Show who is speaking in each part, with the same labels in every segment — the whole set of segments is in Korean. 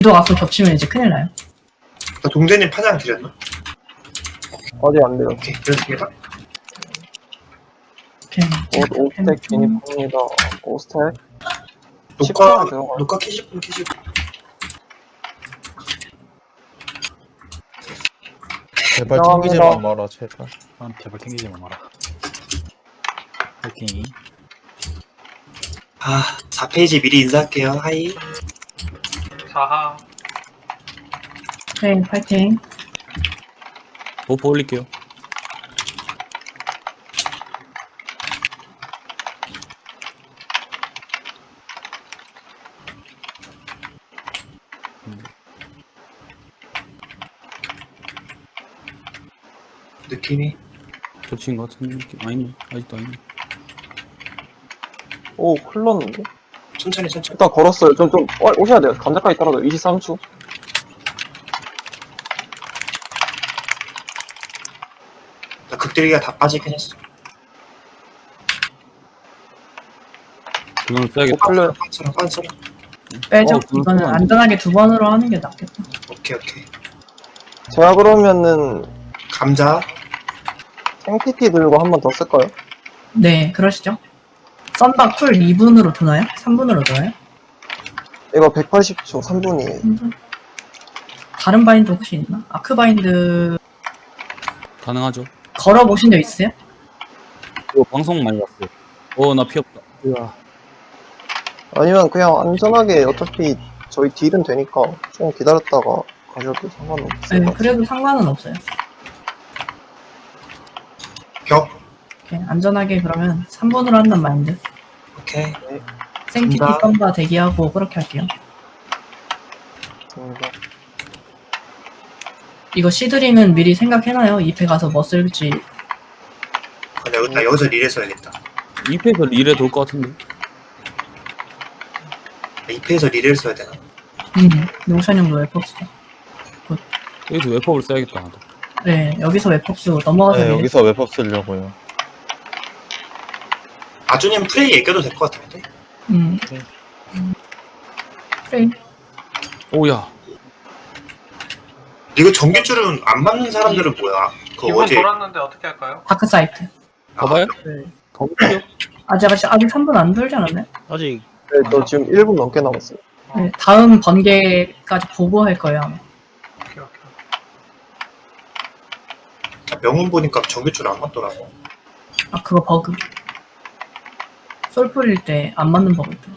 Speaker 1: 도 앞으로 겹치면 이제 큰일 나요.
Speaker 2: 동대님 파장 드렸나?
Speaker 3: 아직 안 돼요.
Speaker 2: 오케이, 드렸습니다.
Speaker 1: 오케이.
Speaker 3: 5스택 진입합니다. 5스택.
Speaker 2: 녹화,
Speaker 3: 10분 들어가요.
Speaker 2: 녹화 켜실 분 켜실 분.
Speaker 4: 제발
Speaker 3: 감사합니다.
Speaker 4: 튕기지만 마라 제발.
Speaker 5: 제발 튕기지 마라. 파이팅.
Speaker 2: 아, 4페이지 미리 인사할게요. 하이.
Speaker 6: 사하.
Speaker 1: 네, 파이팅.
Speaker 5: 버프 올릴게요.
Speaker 2: 느낌이.
Speaker 5: 겹친 것 같은 느낌. 아니네. 아직도 아니네.
Speaker 3: 오, 큰일 났는데?
Speaker 2: 천천히.
Speaker 3: 일단 걸었어요. 좀, 오셔야 돼요. 감자까지 떨어져. 23초.
Speaker 2: 나 극딜기가 다 빠지긴 했어.
Speaker 5: 그걸 써야겠다.
Speaker 3: 풀려요.
Speaker 2: 빤스랑.
Speaker 1: 빼죠.
Speaker 5: 그건
Speaker 1: 이거는
Speaker 5: 안 돼.
Speaker 1: 안전하게 두 번으로 하는 게 낫겠다.
Speaker 2: 오케이.
Speaker 3: 제가 그러면은
Speaker 2: 감자.
Speaker 3: 생TT 들고 한 번 더 쓸까요?
Speaker 1: 네, 그러시죠. 썬박 쿨 2분으로 도나요? 3분으로 도나요?
Speaker 3: 이거 180초 3분이에요.
Speaker 1: 3분? 다른 바인드 혹시 있나? 아크 바인드
Speaker 5: 가능하죠.
Speaker 1: 걸어보신 적 있어요?
Speaker 5: 이거 방송 많이 봤어요. 나 피 없다. 으아.
Speaker 3: 아니면 그냥 안전하게 어차피 저희 딜은 되니까 좀 기다렸다가 가셔도 상관없을
Speaker 1: 네,
Speaker 3: 것 같아요.
Speaker 1: 그래도 상관은 없어요.
Speaker 2: 벽.
Speaker 1: 오케이, 안전하게 그러면 3분으로 한단 마인드.
Speaker 2: 오케이.
Speaker 1: 생티티
Speaker 2: 감사합니다.
Speaker 1: 썬바 대기하고 그렇게 할게요. 이거 시드링은 미리 생각해놔요. 2패 가서 뭐 쓸지.
Speaker 2: 나 여기서 릴에 써야겠다.
Speaker 5: 2패에서 릴에 돌 것 같은데.
Speaker 2: 2패에서 릴을 써야 되나?
Speaker 1: 용찬 형도 웹법스.
Speaker 5: 여기서 웹법을 써야겠다. 나도.
Speaker 1: 네, 여기서 웹법스 넘어가서
Speaker 4: 네,
Speaker 1: 미리-
Speaker 4: 여기서 웹법 쓰려고요.
Speaker 2: 아주님 프레이 얘기해도 될 것 같은데?
Speaker 1: 프레임.
Speaker 5: 오야.
Speaker 2: 이거 전기줄은 안 맞는 사람들은 뭐야? 그거
Speaker 6: 기분
Speaker 2: 어제.
Speaker 6: 돌았는데 어떻게 할까요?
Speaker 1: 다크 사이트.
Speaker 5: 가봐요?
Speaker 1: 네.
Speaker 5: 가볼게요.
Speaker 1: 아직 3분 안 돌지 않았나요?
Speaker 5: 아직.
Speaker 3: 네, 저 지금 1분 넘게 남았어요.
Speaker 1: 네, 다음 번개까지 보고 할 거예요. 아마.
Speaker 6: 오케이.
Speaker 2: 명운 보니까 전기줄 안 맞더라고.
Speaker 1: 아, 그거 버그. 솔 뿌릴 때 안 맞는 버그 있죠.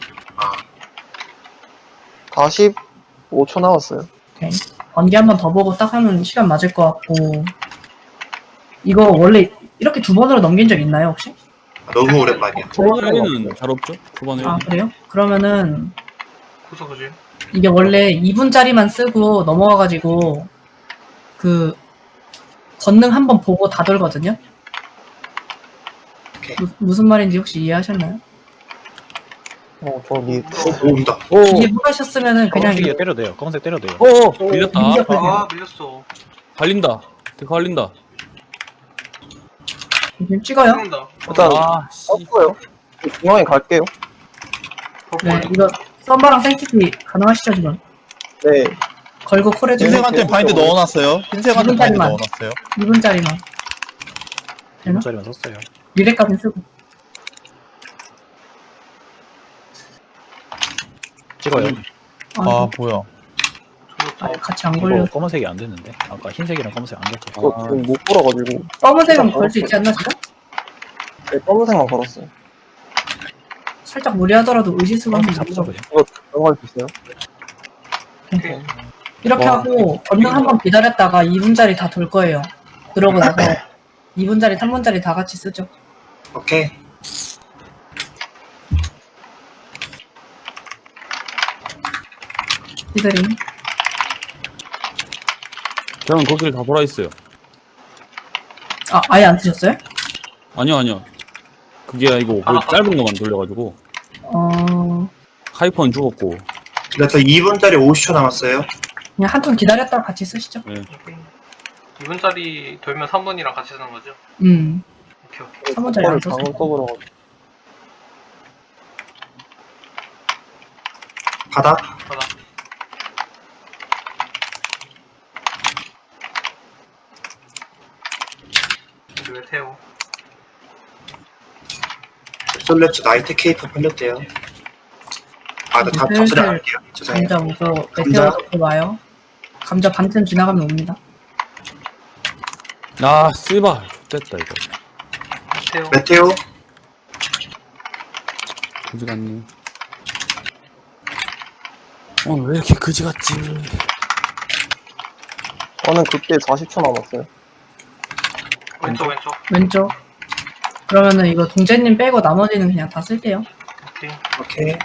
Speaker 3: 45초 남았어요.
Speaker 1: 오케이. 번개 한 번 더 보고 딱 하면 시간 맞을 것 같고. 이거 원래 이렇게 두 번으로 넘긴 적 있나요, 혹시?
Speaker 2: 너무 오랜만이야.
Speaker 5: 초반에는 잘 없죠? 초반에.
Speaker 1: 아, 그래요? 그러면은
Speaker 6: 구속구질.
Speaker 1: 이게 원래 2분짜리만 쓰고 넘어가가지고 그 권능 한 번 보고 다 돌거든요?
Speaker 2: 오케이.
Speaker 1: 무슨 말인지 혹시 이해하셨나요?
Speaker 3: 저기.
Speaker 2: 오, 온다.
Speaker 1: 이해 못하셨으면은 그냥
Speaker 5: 검은색 때려도 돼요. 검은색 때려도 돼요. 밀렸다.
Speaker 6: 아, 밀렸어.
Speaker 5: 갈린다. 데카 갈린다.
Speaker 1: 지금 찍어요?
Speaker 6: 죽는다.
Speaker 3: 일단
Speaker 5: 아, 씨.
Speaker 3: 떴어요. 중앙에 갈게요.
Speaker 1: 네, 이거 썸바랑 생티티 가능하시죠, 지금?
Speaker 3: 네.
Speaker 1: 걸고 콜해주세요.
Speaker 4: 흰색한테 바인드 넣어놨어요. 흰색한테 바인드
Speaker 1: 이분짜리만.
Speaker 4: 넣어놨어요.
Speaker 1: 2분짜리만. 되나?
Speaker 5: 1분짜리만 썼어요.
Speaker 1: 미래까지 쓰고.
Speaker 5: 찍어요.
Speaker 4: 아 뭐야.
Speaker 1: 같이 안 걸려.
Speaker 5: 검은색이 안 됐는데. 아까 흰색이랑 검은색 안 됐죠.
Speaker 3: 이거 지금 못 걸어가지고.
Speaker 1: 검은색은 걸 수 있지 않나, 지금?
Speaker 3: 네, 검은색만 걸었어요.
Speaker 1: 살짝 무리하더라도 의지수가
Speaker 5: 검은색
Speaker 1: 한번
Speaker 5: 잡죠,
Speaker 1: 잡죠.
Speaker 5: 그냥.
Speaker 3: 이거 넘어갈 수 있어요?
Speaker 6: 오케이.
Speaker 1: 이렇게
Speaker 3: 와.
Speaker 1: 하고 권능 한 번 기다렸다가 2분짜리 다 돌 거예요. 그러고 나서 2분짜리, 3분짜리 다 같이 쓰죠.
Speaker 2: 오케이.
Speaker 1: 시드링.
Speaker 5: 저는 거기를 다 돌아 있어요.
Speaker 1: 아, 아예 안 쓰셨어요?
Speaker 5: 아니요. 그게 아니고 그 짧은 것만 돌려가지고 하이퍼는 죽었고.
Speaker 2: 그래서 2분짜리 50초 남았어요.
Speaker 1: 그냥 한 턴 기다렸다가 같이 쓰시죠.
Speaker 5: 네.
Speaker 6: 2분짜리 돌면 3분이랑 같이 쓰는 거죠?
Speaker 1: 음.
Speaker 6: 오케이.
Speaker 1: 3분짜리 안 썼어요.
Speaker 3: 방금 떠버려가지고.
Speaker 2: 바닥.
Speaker 6: 바닥. 메테오.
Speaker 2: 솔레츠 나이트 케이프 팔렸대요. 아, 나 다
Speaker 1: 슬슬
Speaker 2: 잡수려 갈게요. 죄송해요.
Speaker 1: 감자 오고
Speaker 2: 감자.
Speaker 1: 메테오 잡고 와요. 감자 반쯤 지나가면 옵니다.
Speaker 5: 아 씨발 됐다 이거.
Speaker 6: 메테오.
Speaker 2: 메테오,
Speaker 5: 그지 같네. 오늘 왜 이렇게 그지 같지?
Speaker 3: 저는 그때 40초 남았어요.
Speaker 6: 왼쪽 왼쪽.
Speaker 1: 왼쪽. 그러면은 이거 동재님 빼고 나머지는 그냥 다 쓸게요.
Speaker 6: 오케이.
Speaker 2: 오케이.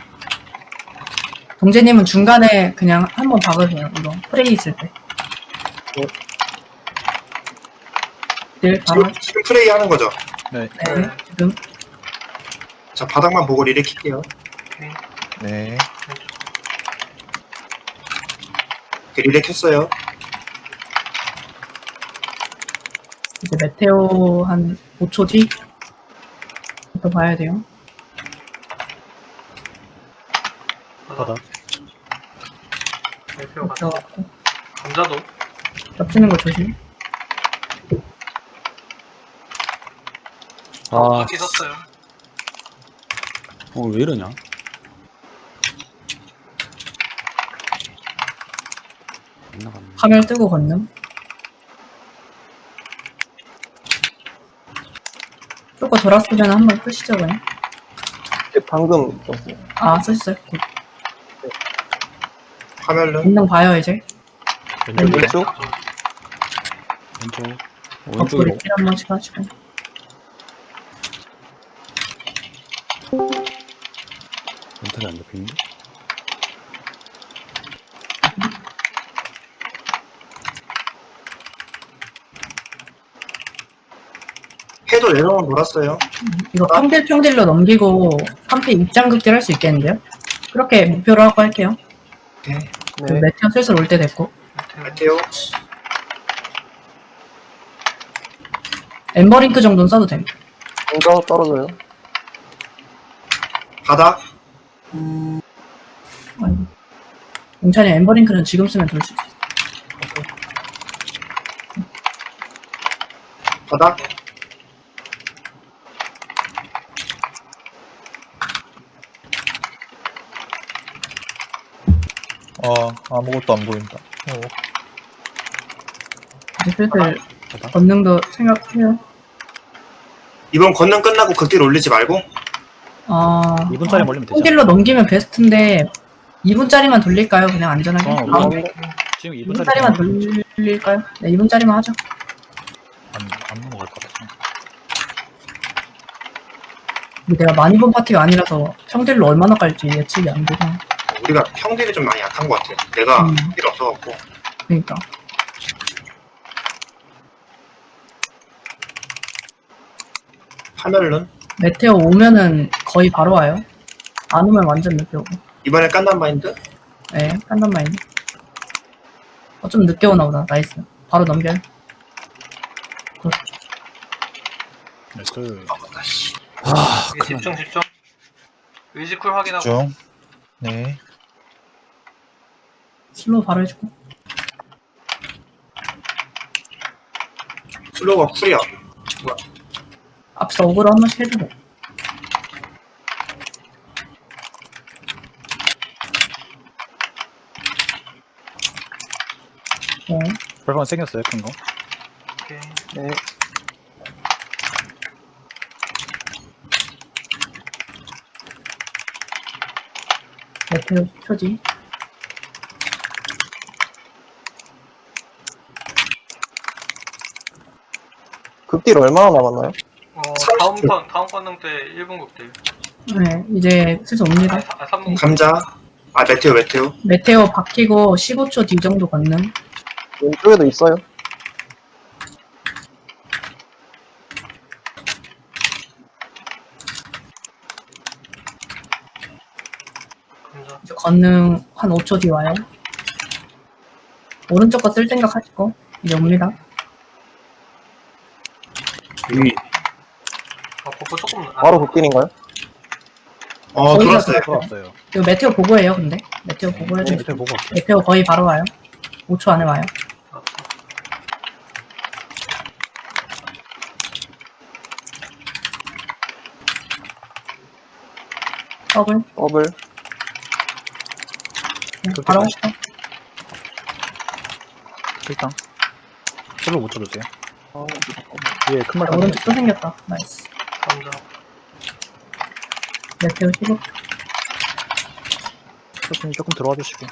Speaker 1: 동재님은 중간에 그냥 한번 박으세요. 이거 프레이 있을 때. 늘 바로
Speaker 2: 지금 프레이 하는 거죠?
Speaker 1: 네, 지금
Speaker 2: 자, 바닥만 보고 리렉킬게요.
Speaker 6: 오케이.
Speaker 4: 네.
Speaker 2: 이렇게 리렉했어요.
Speaker 1: 이제 메테오 한 5초 뒤부터 봐야 돼요.
Speaker 6: 바다. 메테오 같이.
Speaker 1: 들어갔고
Speaker 6: 감자도.
Speaker 1: 겹치는 거 조심.
Speaker 5: 아,
Speaker 6: 바퀴 썼어요.
Speaker 5: 왜 이러냐? 안 나갔네.
Speaker 1: 화면 뜨고 건능. 조금 돌았으면 한번 쓰시죠 그냥.
Speaker 3: 방금 썼어요.
Speaker 1: 아 쓰셨어요. 굿.
Speaker 2: 화면은
Speaker 1: 건능 봐요 이제.
Speaker 3: 왼쪽?
Speaker 5: 왼쪽.
Speaker 1: 덕분에
Speaker 5: 왼쪽으로.
Speaker 1: 킬 한 번씩 하시고.
Speaker 5: 멘탈이 안 잡히는데?
Speaker 2: 해도 내려오면 돌았어요.
Speaker 1: 이거 평딜로 넘기고 3피 입장극딜 할 수 있겠는데요? 그렇게 목표로 하고 할게요.
Speaker 2: 오케이.
Speaker 1: 그
Speaker 3: 네.
Speaker 1: 메테오 슬슬 올 때 됐고.
Speaker 6: 메테오.
Speaker 2: 메테오,
Speaker 1: 엠버링크 정도는 써도 됩니다.
Speaker 3: 감자 떨어져요.
Speaker 2: 바닥,
Speaker 1: 아이고. 괜찮아요. 엠버링크는 지금 쓰면 돌 수 있어요.
Speaker 2: 바닥,
Speaker 4: 아무것도 안 보인다.
Speaker 1: 이제 슬슬 권능도 생각해요.
Speaker 2: 이번 건능 끝나고 극딜 올리지 말고
Speaker 7: 2분짜리 몰리면 되죠.
Speaker 1: 평딜로 넘기면 베스트인데 2분짜리만 돌릴까요? 그냥 안전하게?
Speaker 7: 어,
Speaker 1: 다음
Speaker 7: 지금
Speaker 1: 2분짜리만
Speaker 7: 2분짜리
Speaker 1: 돌릴까요? 네, 2분짜리만 하죠.
Speaker 7: 안 넘어갈 것 같아.
Speaker 1: 근데 내가 많이 본 파티가 아니라서 평딜로 얼마나 깔지 예측이 안 돼서.
Speaker 2: 우리가 평딜이 좀 많이 약한 것 같아. 내가
Speaker 1: 음.
Speaker 2: 필요 없어갖고.
Speaker 1: 그러니까.
Speaker 2: 화면은
Speaker 1: 메테오 오면은 거의 바로 와요. 안 오면 완전 늦게 오고.
Speaker 2: 이번에 깐단 마인드?
Speaker 1: 네, 깐단 마인드. 좀 늦게 오나 보다. 나이스. 바로 넘겨요.
Speaker 7: 그
Speaker 2: 아씨.
Speaker 6: 이게 집중 집중. 의지쿨 확인하고.
Speaker 4: 중. 네.
Speaker 1: 슬로우 바로 해주고.
Speaker 2: 슬로우가 쿨이야.
Speaker 1: 앞서 어그로 한 번씩 해주고. 네.
Speaker 7: 벌건 생겼어요, 큰 거.
Speaker 6: 오케이.
Speaker 3: 네.
Speaker 1: 메테오 표지.
Speaker 3: 극딜 얼마나 남았나요?
Speaker 6: 다음 권능 때 1분 극딜.
Speaker 1: 네, 이제 슬슬 옵니다.
Speaker 6: 3분.
Speaker 2: 감자. 아, 메테오.
Speaker 1: 메테오 박히고 15초 뒤 정도 걷는.
Speaker 3: 왼쪽에도 있어요.
Speaker 6: 감자.
Speaker 1: 이제 걷는 한 5초 뒤 와요. 오른쪽 거 쓸 생각 하시고 이제 옵니다.
Speaker 5: 위.
Speaker 6: 버프 조금.
Speaker 3: 바로 극딜인가요?
Speaker 1: 거기가
Speaker 2: 돌았어요.
Speaker 7: 돌아왔어요.
Speaker 1: 이거 메테오 보고해요, 근데. 메테오 보고 해줘.
Speaker 7: 밑에 보고 갈게요.
Speaker 1: 메테오 거의 바로 와요. 5초 안에 와요. 더블.
Speaker 3: 더블.
Speaker 1: 네, 바로
Speaker 7: 그렇게 일당. 슬로우 못 쳐주세요. 위에 큰 말판
Speaker 1: 오른쪽 또 생겼다. 나이스.
Speaker 6: 감자.
Speaker 1: 메테오 15.
Speaker 7: 조금 들어와 주시고.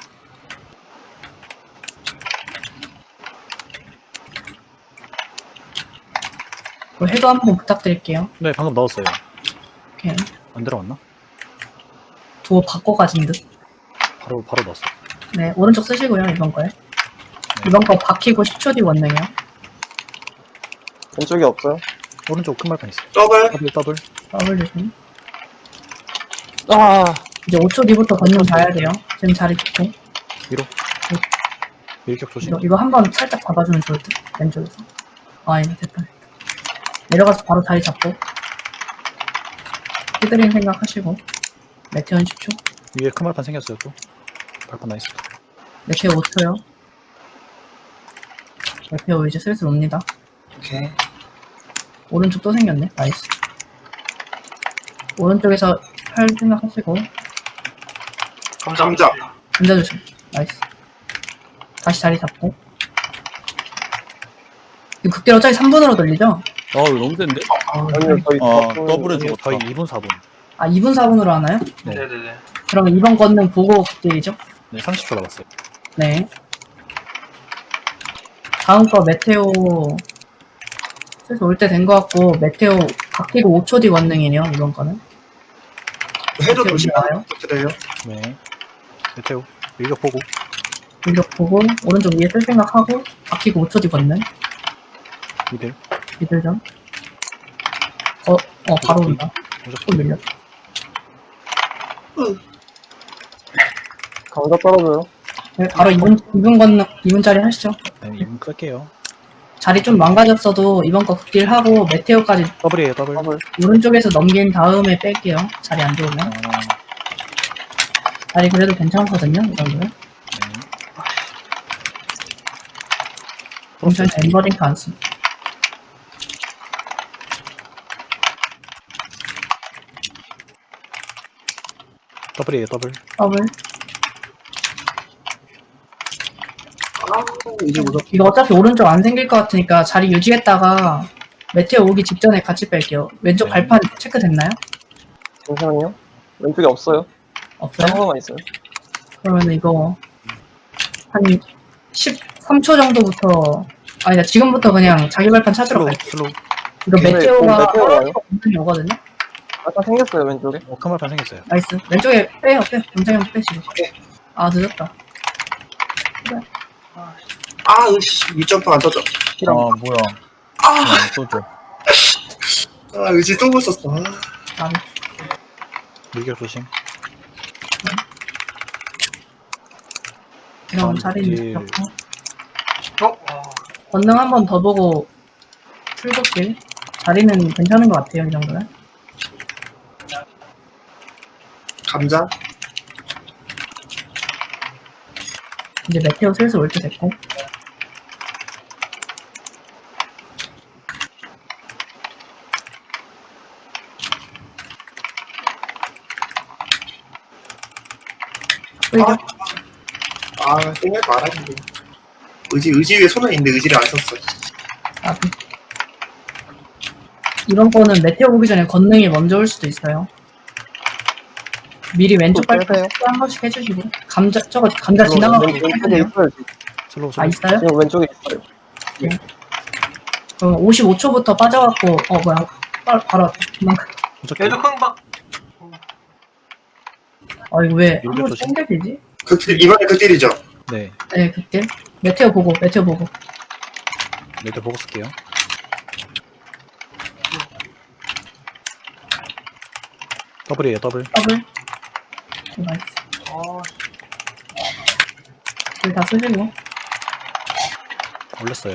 Speaker 1: 해도 한번 부탁드릴게요.
Speaker 7: 네, 방금 넣었어요.
Speaker 1: 오케이.
Speaker 7: 안 들어갔나?
Speaker 1: 두어 바꿔 가진 듯.
Speaker 7: 바로 넣었어.
Speaker 1: 네, 오른쪽 쓰시고요, 이번 거에. 이번 거 박히고 10초 뒤 원능이요.
Speaker 3: 왼쪽이 없어요.
Speaker 7: 오른쪽 큰 말판 있어요.
Speaker 2: 더블.
Speaker 7: 더블.
Speaker 1: 더블 조심.
Speaker 5: 아,
Speaker 1: 이제 5초 뒤부터 걷는 봐야 돼요. 지금 자리 좋고.
Speaker 7: 밀격 조심.
Speaker 1: 이거 한번 살짝 잡아주면 좋을 듯. 왼쪽에서. 아, 이거 됐다. 내려가서 바로 자리 잡고. 히드링 생각하시고. 메테오는 10초.
Speaker 7: 위에 큰 말판 생겼어요 또. 발판 나이스.
Speaker 1: 메테오 5초요. 메테오 이제 슬슬 옵니다.
Speaker 2: 오케이.
Speaker 1: 오른쪽 또 생겼네. 나이스. 오른쪽에서 할 생각하시고.
Speaker 6: 감자.
Speaker 2: 감자.
Speaker 1: 앉아주세요. 나이스. 다시 자리 잡고. 이거 극딜 어차피 3분으로 돌리죠?
Speaker 5: 아, 이거 너무 센데?
Speaker 3: 아니요, 저희
Speaker 4: 더블에
Speaker 7: 아니요,
Speaker 4: 죽었다.
Speaker 7: 저희 2분 4분.
Speaker 1: 아, 2분 4분으로 하나요?
Speaker 7: 네.
Speaker 6: 네네네.
Speaker 1: 그러면 이번 걷는 보고 극딜이죠?
Speaker 7: 네, 30초 남았어요.
Speaker 1: 네. 다음 거 메테오 슬슬 올 때 된 거 같고 메테오 바뀌고 5초 뒤 원능이네요. 이번 거는.
Speaker 2: 해도
Speaker 1: 메테오
Speaker 2: 조심.
Speaker 1: 나와요.
Speaker 2: 부탁드려요.
Speaker 7: 네. 메테오. 밀격 보고.
Speaker 1: 공격 보고 오른쪽 위에 쓸 생각하고 바뀌고 5초 뒤 원능.
Speaker 7: 미들.
Speaker 1: 미들전. 바로 온다. 또
Speaker 7: 무조건
Speaker 1: 밀려.
Speaker 3: 감자 떨어져요.
Speaker 1: 네, 바로 2분 건능 2분짜리 하시죠.
Speaker 7: 네, 2분 끌게요.
Speaker 1: 자리 좀 망가졌어도 이번 거 극딜 하고 메테오까지
Speaker 7: 더블이에요, 더블.
Speaker 3: 더블.
Speaker 1: 오른쪽에서 넘긴 다음에 뺄게요. 자리 안 좋으면.
Speaker 7: 아,
Speaker 1: 자리 그래도 괜찮거든요. 이 정도면.
Speaker 7: 네.
Speaker 1: 괜찮아요. 엠버링크 안 씁니다.
Speaker 7: 더블이에요, 더블.
Speaker 1: 더블.
Speaker 2: 아, 이제 무섭.
Speaker 1: 이거 어차피 오른쪽 안 생길 것 같으니까 자리 유지했다가 메테오 오기 직전에 같이 뺄게요. 왼쪽
Speaker 7: 네.
Speaker 1: 발판 체크됐나요?
Speaker 3: 잠시만요. 왼쪽에 없어요.
Speaker 1: 없어요?
Speaker 3: 하나만 있어요.
Speaker 1: 그러면 이거 한 13초 정도부터 아니다 지금부터 그냥 자기 발판 찾으러
Speaker 7: 슬로우,
Speaker 1: 갈게요.
Speaker 7: 슬로우.
Speaker 1: 이거
Speaker 3: 네,
Speaker 1: 메테오가
Speaker 3: 메테오 와요?
Speaker 1: 굉장히 오거든요.
Speaker 3: 아까 생겼어요, 왼쪽에.
Speaker 7: 큰 말판 생겼어요.
Speaker 1: 나이스. 왼쪽에 빼요. 경장형 빼시고. 아 늦었다.
Speaker 2: 아, 으씨. 밑점프 안 터져.
Speaker 4: 아, 뭐야.
Speaker 2: 아,
Speaker 4: 쏘죠.
Speaker 2: 아, 의지 또 붙었어. 아.
Speaker 1: 아,
Speaker 7: 밀격 조심.
Speaker 1: 이런
Speaker 7: 아,
Speaker 1: 자리는
Speaker 7: 네.
Speaker 1: 좋고. 권능 한 번 더 보고 출국길. 자리는 괜찮은 것 같아요. 이 정도는.
Speaker 2: 감자.
Speaker 1: 이제 메테오 슬슬 올 때 됐고. 끌죠?
Speaker 2: 아, 땡길 말았는데. 의지 위에 손은 있는데 의지를 안 썼어.
Speaker 1: 아, 이번 거는 메테오 보기 전에 권능이 먼저 올 수도 있어요. 미리 왼쪽
Speaker 3: 빼세요.
Speaker 1: 발판 한 번씩 해주시고. 감자 지나가고
Speaker 3: 왼쪽에
Speaker 1: 있거든요.
Speaker 3: 있어요.
Speaker 7: 슬로우,
Speaker 1: 아,
Speaker 7: 슬로우.
Speaker 1: 있어요?
Speaker 3: 지금 왼쪽에 있어요.
Speaker 1: 그럼 55초부터 빠져갖고, 뭐야. 바로 왔다. 도망가.
Speaker 7: 무조건.
Speaker 6: 얘도 흥박.
Speaker 1: 이거 왜, 한
Speaker 7: 밀려
Speaker 1: 번씩
Speaker 7: 조심.
Speaker 1: 땡겨지지?
Speaker 2: 이번에 그 딜이죠.
Speaker 7: 네.
Speaker 1: 네, 그때. 메테오 보고.
Speaker 7: 메테오 보고 쓸게요. 더블이에요, 더블.
Speaker 1: 더블. 나이스. 다 쓰시고.
Speaker 7: 올렸어요.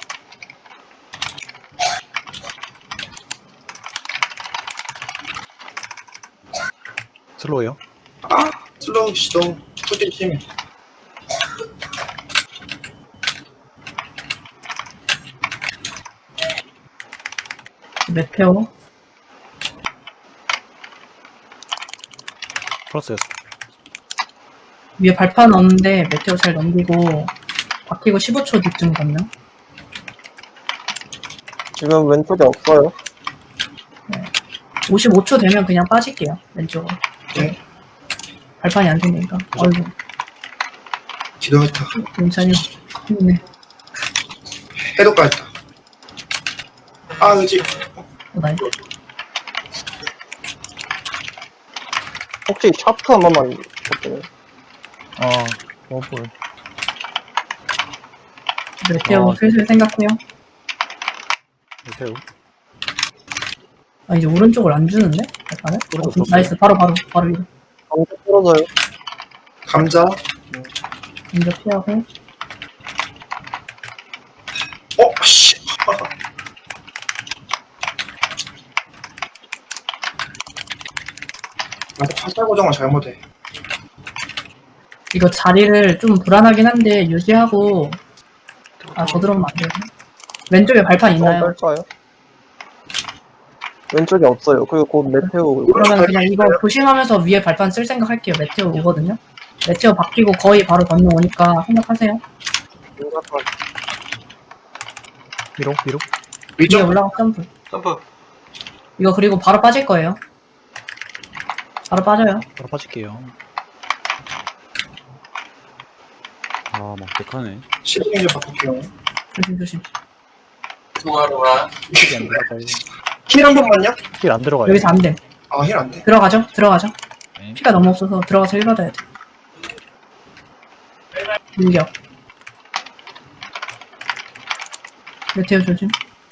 Speaker 7: 슬로우요.
Speaker 2: 아, 슬로우 시동. 푸딜 심해.
Speaker 1: 메테오.
Speaker 7: 풀었어요.
Speaker 1: 위에 발판 없는데 메테오 잘 넘기고 바뀌고 15초 뒤쯤 걷는.
Speaker 3: 지금 왼쪽에 없어요.
Speaker 1: 55초 되면 그냥 빠질게요. 왼쪽으로.
Speaker 2: 네.
Speaker 1: 발판이 안 생기니까. 어이구,
Speaker 2: 기도했다.
Speaker 1: 괜찮이. 힘드네.
Speaker 2: 해독까지. 아, 의지.
Speaker 1: 나이.
Speaker 3: 혹시 샤프 한 번만 볼게요.
Speaker 4: 워블.
Speaker 1: 메테오 슬슬 생각해요.
Speaker 7: 메테오.
Speaker 1: 아, 이제 오른쪽을 안 주는데? 발판을?
Speaker 7: 오른쪽
Speaker 1: 나이스. 바로 위로.
Speaker 3: 감자 떨어져요.
Speaker 2: 감자.
Speaker 1: 먼저 피하고.
Speaker 2: 씨. 나도 화살 고정을 잘못해.
Speaker 1: 이거 자리를 좀 불안하긴 한데 유지하고. 아, 저 들어오면 안 돼요. 왼쪽에 발판 있나요?
Speaker 3: 뺄까요? 왼쪽에 없어요. 그리고 곧 메테오.
Speaker 1: 그러면 그냥 이거 조심하면서 위에 발판 쓸 생각 할게요. 메테오 오거든요. 메테오 바뀌고 거의 바로 건너 오니까 생각하세요.
Speaker 7: 위로.
Speaker 1: 위에
Speaker 2: 위쪽.
Speaker 1: 올라가 점프.
Speaker 6: 점프.
Speaker 1: 이거 그리고 바로 빠질 거예요. 바로 빠져요.
Speaker 7: 바로 빠질게요.
Speaker 5: 아, 막백하네.
Speaker 2: 시동이 좀 바꿀게요.
Speaker 1: 조심.
Speaker 7: 힐이 안 들어가요.
Speaker 2: 힐 한 번만요?
Speaker 7: 힐 안 들어가요.
Speaker 1: 여기서 안 돼.
Speaker 2: 아, 힐 안 돼.
Speaker 1: 들어가죠.
Speaker 7: 네.
Speaker 1: 피가 너무 없어서 들어가서 힐 받아야 돼. 밀격. 메테오 조심.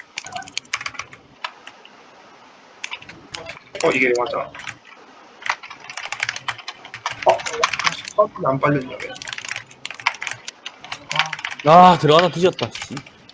Speaker 2: 이게 맞아. 안 빨렸냐, 왜?
Speaker 5: 아, 들어가다 뒤졌다. 씨.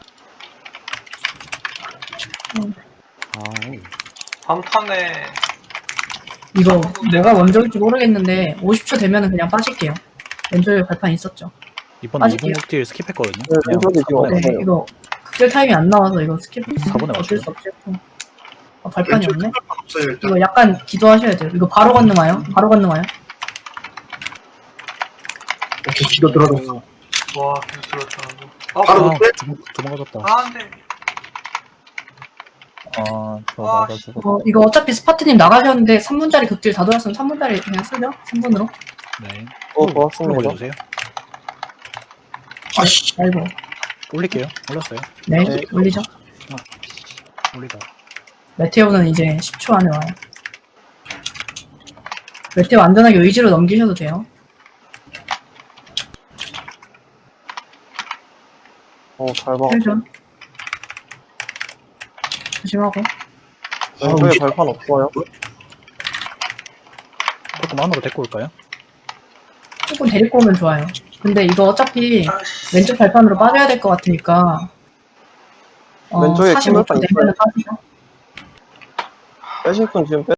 Speaker 5: 아,
Speaker 6: 다음 턴에
Speaker 1: 이거 뭐가 먼저일지 모르겠는데 50초 되면은 그냥 빠질게요. 왼쪽에 발판 있었죠.
Speaker 7: 이번
Speaker 1: 빠질게요.
Speaker 7: 2분 극딜 스킵했거든요.
Speaker 3: 네, 왼쪽에 지금
Speaker 1: 네,
Speaker 3: 없어요.
Speaker 1: 이거 극딜 타임이 안 나와서 이거 스킵.
Speaker 7: 4분에
Speaker 1: 어쩔
Speaker 7: 맞춰요.
Speaker 1: 수 없지. 발판이
Speaker 2: 왼쪽
Speaker 1: 없네.
Speaker 2: 발판 없어요, 일단.
Speaker 1: 이거 약간 기도하셔야 돼요. 이거 바로 건너와요.
Speaker 2: 오케이, 기도 들어갔어.
Speaker 6: 와 계속 들었다.
Speaker 2: 바로
Speaker 7: 아,
Speaker 2: 못해?
Speaker 7: 도망가졌다.
Speaker 6: 안돼.
Speaker 4: 저
Speaker 6: 아,
Speaker 4: 맞아주고.
Speaker 1: 이거 어차피 스파트님 나가셨는데 3분짜리 극딜 다 돌았으면 3분짜리 그냥 쓰죠? 3분으로.
Speaker 7: 네.
Speaker 3: 좋았습니다.
Speaker 7: 올려주세요.
Speaker 2: 아씨.
Speaker 1: 아이고.
Speaker 7: 올릴게요. 올렸어요.
Speaker 1: 네,
Speaker 3: 네.
Speaker 1: 올리죠.
Speaker 7: 올리다.
Speaker 1: 메테오는 이제 10초 안에 와요. 메테오 안전하게 의지로 넘기셔도 돼요.
Speaker 3: 잘 봐.
Speaker 1: 힐좀 조심하고.
Speaker 3: 왼쪽에 발판 없어요.
Speaker 7: 조금 안으로 데리고 올까요?
Speaker 1: 조금 데리고 오면 좋아요. 근데 이거 어차피 왼쪽 발판으로 빠져야 될 것 같으니까
Speaker 3: 왼쪽에 큰
Speaker 1: 45초
Speaker 3: 발판
Speaker 1: 되면 빠지죠.
Speaker 3: 빼실 분 지금